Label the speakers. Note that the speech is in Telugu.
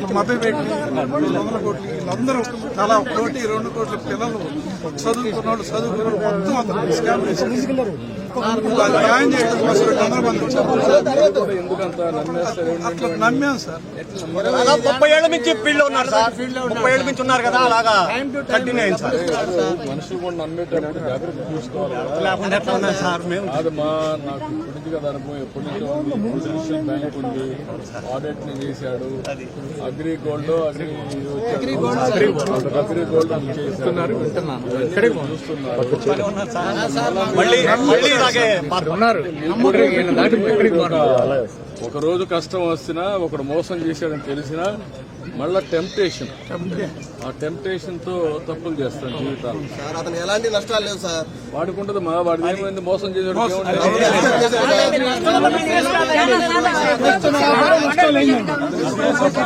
Speaker 1: మభ్యపెట్టి 100 కోట్లు వీళ్ళందరూ తలా 1 కోటి 2 కోట్ల పిల్లలు చదువుకున్న వాళ్ళు మొత్తం అందరూ స్కామ్ చేసి న్యాయం చేయడం కోసం 100 మంది అట్లా నమ్మాం సార్.
Speaker 2: 30 ఏళ్ల నుంచి ఫీల్డ్ లో ఉన్నారు సార్. 30 ఏళ్ల నుంచి ఉన్నారు కదా, అలాగా కంటిన్యూ అయింది సార్.
Speaker 3: మనుషులు కూడా నమ్మేటప్పుడు జాగ్రత్త తీసుకోవాలి.
Speaker 2: లేకుండా ఎట్లా ఉన్నాయి సార్ మేము?
Speaker 3: అది నాకు ఇప్పటికి కదా అనుభవం, ఎప్పటి నుంచో ఉంది. ఇంటర్నేషనల్ బ్యాంక్ ఉంది, ఆడిట్ ని చేశాడు. అగ్రి గోల్డ్ చేస్తున్నారు, ఒక రోజు కష్టం వస్తున్నా ఒకడు మోసం చేశాడని తెలిసినా మళ్ళా టెంప్టేషన్, ఆ టెంప్టేషన్ తో తప్పులు చేస్తాను జీవితాలు.
Speaker 4: అతను ఎలాంటి నష్టాలు లేవు సార్.
Speaker 3: వాడుకుంటది వాడికి ఏమైంది, మోసం చేసాడు.